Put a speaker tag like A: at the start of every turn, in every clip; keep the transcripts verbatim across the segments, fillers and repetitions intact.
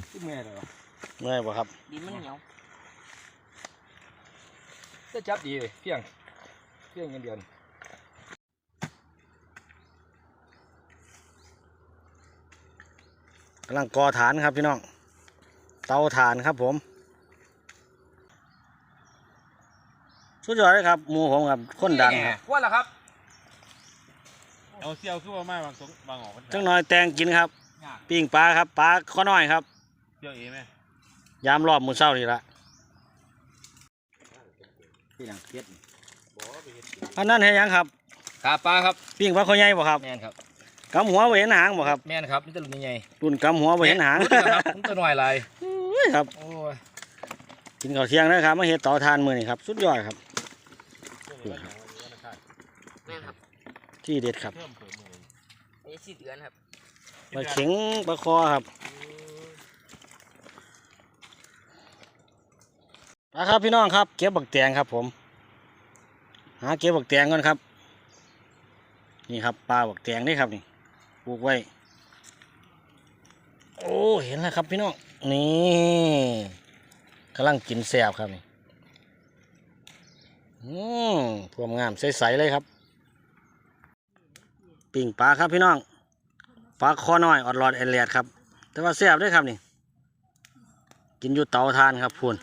A: เมื่อยเลย
B: เมื่อยป่ะครับ
C: ดินมันเหนียว
A: จะจับดีเลยเพียงเพียงเงินเดือน
B: กำลังก่อฐานครับพี่น้องเตาถ่านครับผมสุดยอดเลยครับหมูผมครับคนดังครับ
A: ว่าแล้วครับ
D: เอาเซี่ยวคือว่าไม่บางสงบางออก
B: จังหน่อยแตงกินครับปิ้งปลาครับปลาข้อน้อยครับ
D: เซี่ยวเอไหม
B: ยามรอบมือเช้านี่ละอันนั้นเห็นยังครับ
A: ขาปลาครับ
B: ปิ้งปลาข้อใหญ่บ่ครับ
A: แม่นครับ
B: กำหัวบ่เห็นหางบ่ครับ
A: แม่นครับนี่ตัวใหญ่
B: รุ่นกำหัวบ่เห็นหาง
A: ครับตัวน้อยลาย
B: ครับกินข้าวเที่ยงนะครับมาเฮ็ดต่อทานมือนี่ครับสุดยอดครับ
C: แม่ครับ
B: ที่เด็ดครับ
C: นี่สี่เดือนครับ
B: ปลาเข็งปลาคอครับนะครับพี่น้องครับเก็บบักแตงครับผมหาเก็บบักแตงก่อนครับนี่ครับปลาบักแตงนี่ครับนี่ปลูกไว้โอ้เห็นแล้วครับพี่น้องนี่กำลังกินแซ่บครับนี่อืมพวงงามใสๆเลยครับปิ่งปลาครับพี่น้องปลาคอน้อยออดหลอดแอลเลียดครับแต่ว่าแซ่บด้วยครับนี่กินอยู่เตาทานครับพูน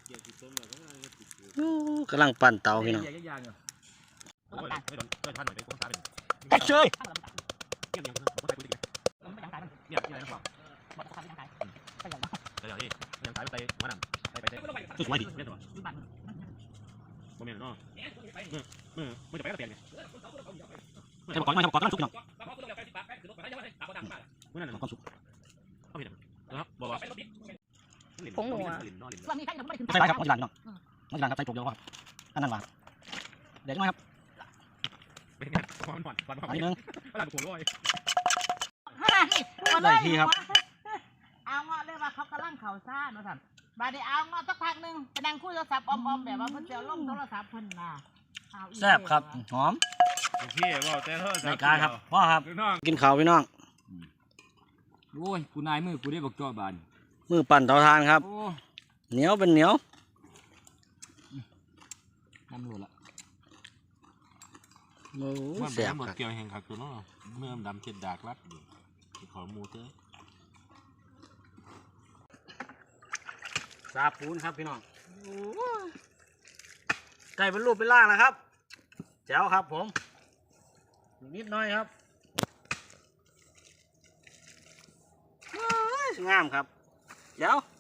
B: กำลังปั่นเตาพี่น้องเอ้ยเชยสวยดีโมเมนต์เนาะมือมือมือจะไปกระเตียงเนี่ยทำก่อนไม่ทำก่อนกำลังสุกพี่น้องมือนั่นความสุกเข้าไปนะครับบอกว่า
C: ผงหนัว
B: ใส่ไรครับน้องจีรันพี่น้องน้องจีรันครับใส่โจกเดียวครับอันนั้นว่าเดี๋ยวน้อยครับอันนี้นึงได้ที่ครับ
E: เอาเงาะเลยว่าเขากำลังเข่าซ่าเนาะท่านบาดนี้เอาเงาะสักพักหนึ่งไปนั่งคุยโทรศัพท์ออมๆแบบว่าเพิ่นจะล่มโทรศัพท์เพิ่นมา
B: แซ่บครับหอม
D: พี่บอกแต่เท่า
B: ในการครับพ่อครับกินข้าวพี่น้อง
A: โอ้ยกูนายมือกูได้บอกจ่อบาน
B: มือปั่นเตาถ่านครับเหนียวเป็นเหนียว
A: น้ำหลุดละ
B: โอ้
D: แซ่บครับเกี่ยวแห่งขักตัวน้องเมื่อดำเช็ดดากรัดอยู่ขอมูเตอร์
B: ซาปูนครับพี่น้องไก่เป็นรูปเป็นร่างนะครับแจ๋วครับผมนิดหน่อยครับงามครับเดี๋ยว